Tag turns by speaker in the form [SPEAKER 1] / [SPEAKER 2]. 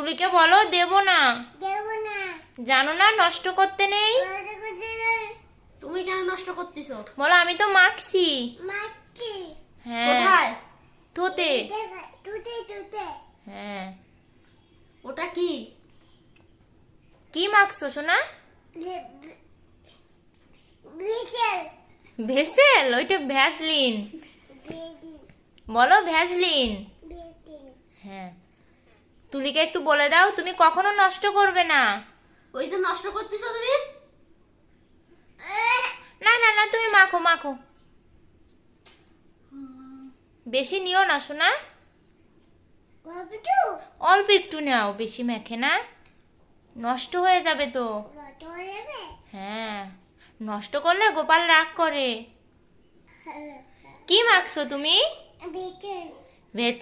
[SPEAKER 1] তুলিকে বলো দেব না। জানো না নষ্ট করতে নেই।
[SPEAKER 2] তুমি কেন নষ্ট করতেছো?
[SPEAKER 1] বলো আমি তো মাখছি। হ্যাঁ
[SPEAKER 2] কোথায়?
[SPEAKER 1] ধুতে। হ্যাঁ
[SPEAKER 2] ওটা কি?
[SPEAKER 1] কি মাখছো সোনা? ভেসেল, ওইটা ভ্যাসলিন। বলো ভ্যাসলিন। হ্যাঁ তুলিকে একটু বলে দাও তুমি কখনো নষ্ট করবে না।
[SPEAKER 2] ওই যে নষ্ট করতেছো তুমি।
[SPEAKER 1] না না না তুমি মাখো মাখো, বেশি নিও না সোনা, অল্প একটু নাও, বেশি মেখে না, নষ্ট হয়ে যাবে তো। হ্যাঁ নষ্ট করলে গোপাল রাগ করে। কি মাখছো তুমি?